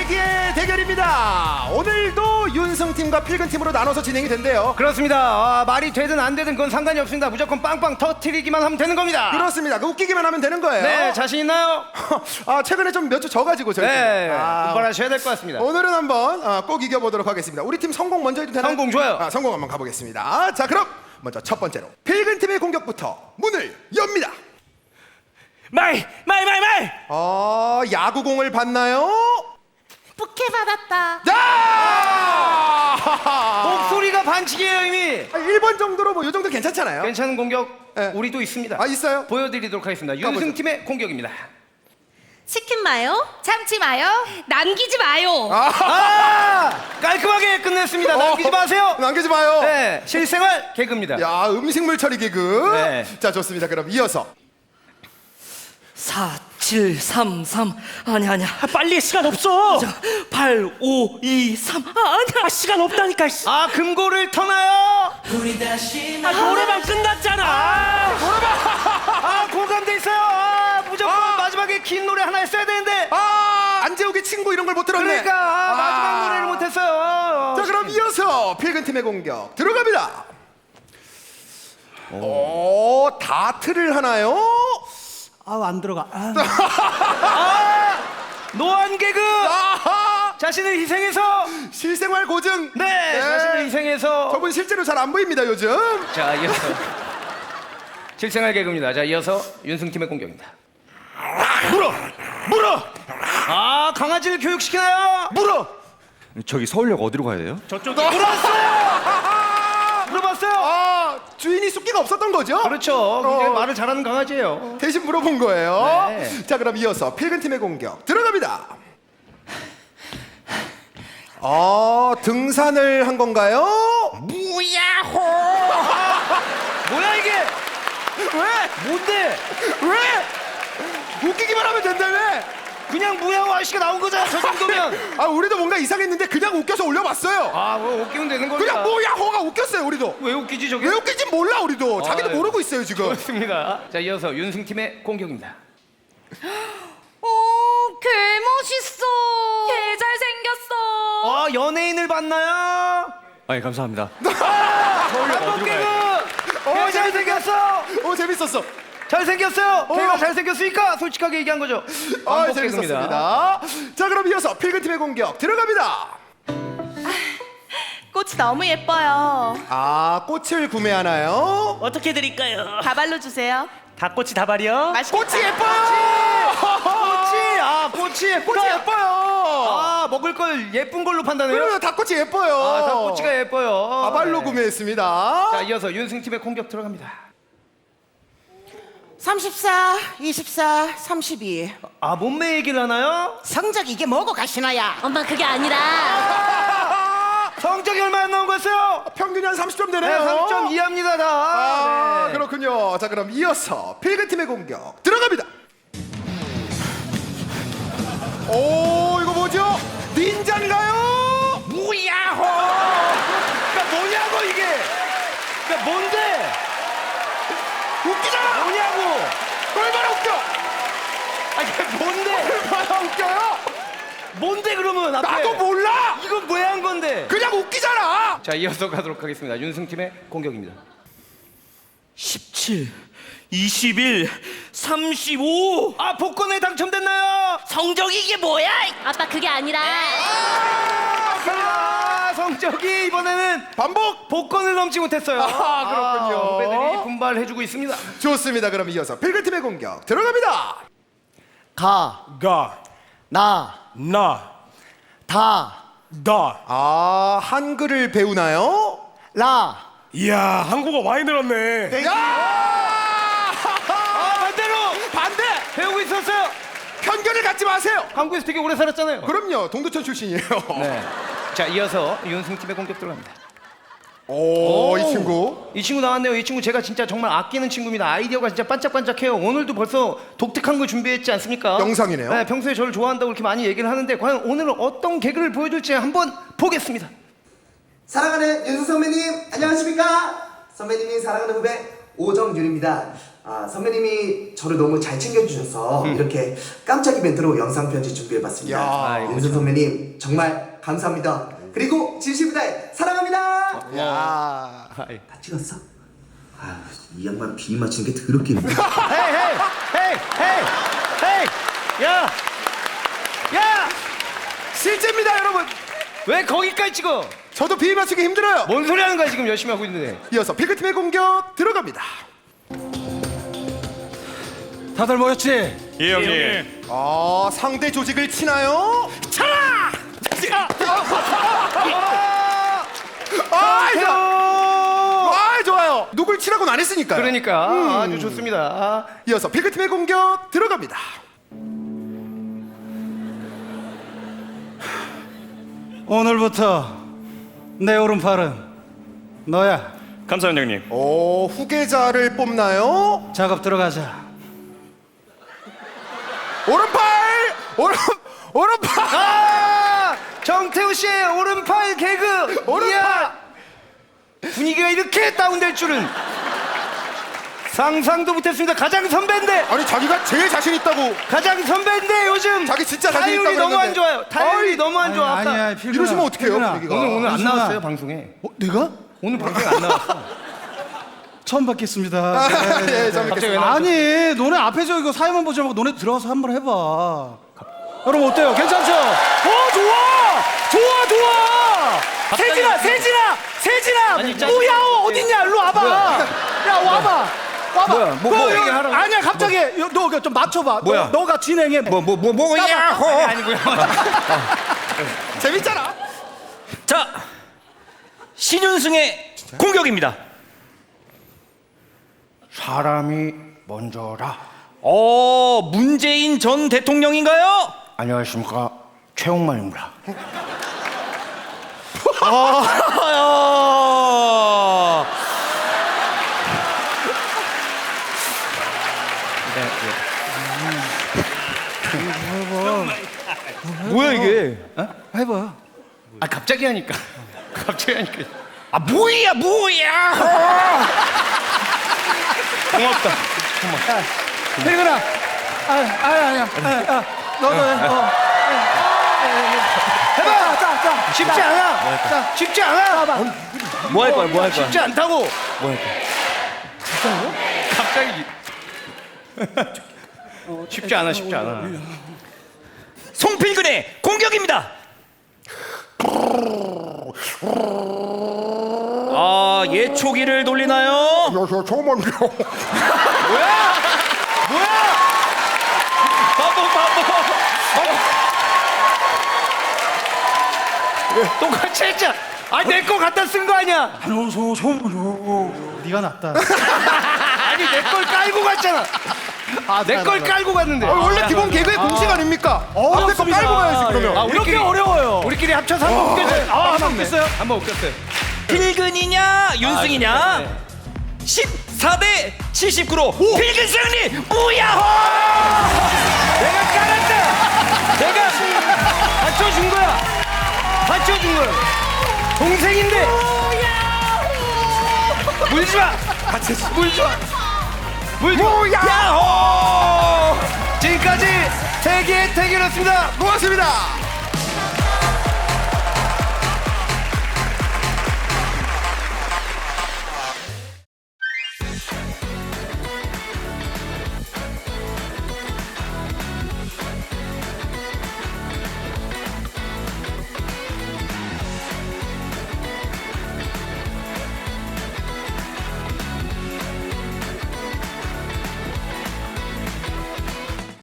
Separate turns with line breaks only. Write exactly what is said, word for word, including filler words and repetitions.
세기의 대결입니다. 오늘도 윤승팀과 필근팀으로 나눠서 진행이 된대요.
그렇습니다. 아, 말이 되든 안 되든 그건 상관이 없습니다. 무조건 빵빵 터트리기만 하면 되는 겁니다.
그렇습니다. 그 웃기기만 하면 되는 거예요.
네, 자신 있나요?
아, 최근에 좀 몇 주 져가지고 저희
네,
아,
분발하셔야 될 것 같습니다.
오늘은 한번 아, 꼭 이겨보도록 하겠습니다. 우리 팀 성공 먼저 해도 되나요?
성공 좋아요.
아, 성공 한번 가보겠습니다. 자, 그럼 먼저 첫 번째로 필근팀의 공격부터 문을 엽니다.
마이 마이 마이 마이
어, 야구공을 봤나요?
부케 받았다.
야!
목소리가 반칙이에요 이미.
아, 일 번 정도로 뭐 요 정도 괜찮잖아요.
괜찮은 공격
네.
우리도 있습니다.
아, 있어요?
보여드리도록 하겠습니다. 윤승팀의 공격입니다.
치킨 마요? 참치 마요? 남기지 마요.
아, 깔끔하게 끝냈습니다. 남기지
어,
마세요.
남기지 마요.
네, 실생활 개그입니다.
야, 음식물 처리 개그.
네.
자, 좋습니다. 그럼 이어서
사 칠 삼 삼 아니 아니야 빨리 시간 없어 팔 오 이 삼 아 아니야 시간 없다니까 씨.
아, 금고를 터나요?
아 노래방 끝났잖아
아, 공감돼 있어요. 아, 무조건
아.
마지막에 긴 노래 하나 했어야 되는데.
아, 안재욱의 친구 이런 걸 못 들었네.
그러니까 아, 마지막
아.
노래를 못했어요.
자, 그럼 이어서 필근팀의 공격 들어갑니다. 오, 다트를 하나요?
아우 안 들어가 아.
아, 노안 개그.
아하!
자신을 희생해서.
실생활 고증.
네, 자신을 희생해서.
저분 실제로 잘 안 보입니다 요즘.
자, 이어서 실생활 개그입니다. 자, 이어서 윤승팀의 공격입니다.
물어, 물어,
아, 강아지를 교육시키나요?
물어.
저기 서울역 어디로 가야 돼요?
저쪽에
물었어요. 물어봤어요.
아, 주인이 숫기가 없었던 거죠?
그렇죠. 굉장히
어.
말을 잘하는 강아지예요.
대신 물어본 거예요.
네.
자, 그럼 이어서 필근팀의 공격 들어갑니다. 어, 등산을 한 건가요?
무야호. 뭐야 이게?
왜?
뭔데?
왜? 웃기기만 하면 된다며?
그냥 무야호 아저씨가 나온 거잖아. 저 정도면.
아, 우리도 뭔가 이상했는데 그냥 웃겨서 올려봤어요.
아, 뭐 웃기면 되는 겁니다.
그냥 뭐야 호가 웃겼어요 우리도.
왜 웃기지 저게?
왜 웃긴지 몰라 우리도. 자기도
아유.
모르고 있어요 지금.
좋습니다. 자, 이어서 윤승팀의 공격입니다.
오, 개 멋있어. 개 잘생겼어.
아, 연예인을 봤나요?
아니 감사합니다.
한복 개그. 어, 잘생겼어.
오, 재밌었어.
잘생겼어요. 걔가
어.
잘생겼으니까 솔직하게 얘기한 거죠.
아,
반복
재밌었습니다. 자, 그럼 이어서 필근팀의 공격 들어갑니다.
꽃이 너무 예뻐요.
아, 꽃을 구매하나요?
어떻게 드릴까요?
다발로 주세요.
닭꼬치 다발이요?
맛있겠다.
꽃이 예뻐요.
꽃이, 아, 꽃이 예쁘다.
꽃이 예뻐요.
아, 먹을 걸 예쁜 걸로 판단해요?
그래요, 닭꽃이 예뻐요.
아, 닭꼬치가 예뻐요.
다발로
네.
구매했습니다.
자, 이어서 윤승팀의 공격 들어갑니다.
삼십사, 이십사, 삼십이.
아, 몸매 얘기를 하나요?
성적 이게 뭐고 가시나야?
엄마 그게 아니라
성적이 얼마나 나온 거였어요?
평균이 한 삼십 점
네,
되네요.
삼 점 이 합니다, 다.
아,
네.
그렇군요. 자, 그럼 이어서 필근팀의 공격 들어갑니다. 오, 이거 뭐죠? 닌자인가요?
무야호! 그러니까 뭐냐고, 이게! 그러니까 뭔데?
웃기잖아.
뭐냐고!
얼마나 웃겨?
아, 이게 뭔데?
얼마나 웃겨요?
뭔데, 그러면? 앞에?
나도 몰라.
이건 왜 한 건데?
그냥 웃기잖아.
자, 이어서 가도록 하겠습니다. 윤승팀의 공격입니다.
십칠 이십일 삼십오
아, 복권에 당첨됐나요?
성적 이게 뭐야?
아빠 그게 아니라
아, 성적이 이번에는
반복.
복권을 넘지 못했어요.
아, 그렇군요.
아, 후배들이 분발해주고 있습니다.
좋습니다. 그럼 이어서 필근팀의 공격 들어갑니다.
가,
가,
나,
나,
다,
다.
아, 한글을 배우나요?
라.
이야 한국어 많이 늘었네.
야!
아, 반대로
반대.
배우고 있었어요.
편견을 갖지 마세요.
한국에서 되게 오래 살았잖아요.
그럼요. 동두천 출신이에요.
네. 자, 이어서 윤승팀의 공격 들어갑니다.
오, 이
오.
친구.
이 친구 나왔네요. 이 친구 제가 진짜 정말 아끼는 친구입니다. 아이디어가 진짜 반짝반짝해요. 오늘도 벌써 독특한 걸 준비했지 않습니까?
영상이네요.
네, 평소에 저를 좋아한다고 이렇게 많이 얘기를 하는데 과연 오늘은 어떤 개그를 보여줄지 한번 보겠습니다.
사랑하는 윤수 선배님 안녕하십니까? 선배님이 사랑하는 후배 오정윤입니다. 아, 선배님이 저를 너무 잘 챙겨주셔서 이렇게 깜짝 이벤트로 영상 편지 준비해봤습니다.
야,
윤선 선배님 정말 감사합니다. 그리고 진심을 다해 사랑합니다.
야.
다 찍었어? 아, 이 양반 비 맞추는 게 더럽게 힘들어.
헤이 헤이 헤이 헤이 헤이 야! 야!
실제입니다, 여러분.
왜 거기까지 찍어?
저도 비위 맞추기 힘들어요.
뭔 소리 하는 거야 지금 열심히 하고 있는데.
이어서 필그팀의 공격 들어갑니다.
다들 모였지?
예 형님.
아, 상대 조직을 치나요?
차라!
아, 좋아. 아, 좋아요. 누굴 치라고는 안 했으니까요.
그러니까 아주 좋습니다.
이어서 필그팀의 공격 들어갑니다.
오늘부터 내 오른팔은 너야.
감사합니다 형님.
오, 후계자를 뽑나요?
작업 들어가자.
오른팔! 오른 오른팔!
아! 정태우 씨의 오른팔 개그.
오른팔!
이야! 분위기가 이렇게 다운될 줄은 상상도 못했습니다. 가장 선배인데
아니, 자기가 제일 자신 있다고.
가장 선배인데 요즘
자기 진짜 자신 있다고
타율이 너무 안
그랬는데.
좋아요. 타율이
어이.
너무 안 좋아. 아까
아니야, 필근아.
이러시면 어떡해요,
필근아.
분위기가.
오늘 오늘 안
윤순아.
나왔어요 방송에.
어, 내가?
오늘 방송에 안 나왔어.
처음 뵙겠습니다.
아, 예, 잘
갑자기 왜
뵙겠습니다.
나?
아니, 너네 앞에서 이거 사회만 보지 말고 너네 들어가서 한번 해봐. 여러분 어때요? 괜찮죠?
어 좋아! 좋아 좋아! 세진아 세진아 세진아!
아니, 짜-
뭐야 어딨냐 일로 와봐! 야 와봐! 와봐!
뭐야, 뭐, 뭐
너, 이거-
얘기하라고?
아니야 갑자기 너 좀 맞춰봐.
뭐야?
너, 너가 진행해.
뭐 뭐 뭐 뭐 야호.
아니고요.
재밌잖아.
자 신윤승의 공격입니다.
사람이 먼저라.
어 문재인 전 대통령인가요?
안녕하십니까 최홍만입니다.
아,
뭐야 이게?
해봐.
아 갑자기 하니까. 갑자기 하니까.
아 뭐야 뭐야!
고맙다.
필근아. 아, 아, 아니야. 아, 아, 너도 해. 어.
해봐.
자, 자,
쉽지 않아. 자, 쉽지 않아.
뭐 할 거야 뭐 할 거야?
쉽지 않다고.
뭐 할 거야?
갑자기. 어, 쉽지 않아. 쉽지 않아.
송필근의 공격입니다. 아 예초기를 돌리나요?
여기서 조만요.
뭐야? 뭐야?
바보 바보.
똑같이 했잖아. 아, 내 거 갖다 쓴 거 아니야?
안녕하세요, 처음. 네가 낫다.
아니, 내 걸 깔고 갔잖아. 아, 내 걸 깔고 갔는데.
아, 원래 기본 개그의 공식 아닙니까? 앞에 거
어렵습니다.
깔고 가야지 그러면.
아,
이렇게
우리끼리,
어려워요.
우리끼리 합쳐서 한 번 웃겼어요.
아, 한번 웃겼어요?
한번 웃겼어요.
필근이냐 윤승이냐?
아, 네.
십사 대 칠십구로 필근 승리. 무야호!
내가 깔았다. 내가 받쳐준 거야. 받쳐준 거야. 동생인데. 물지 마. 물지 마. 물지 마. 야호! 지금까지 세계의 태계였습니다.
고맙습니다.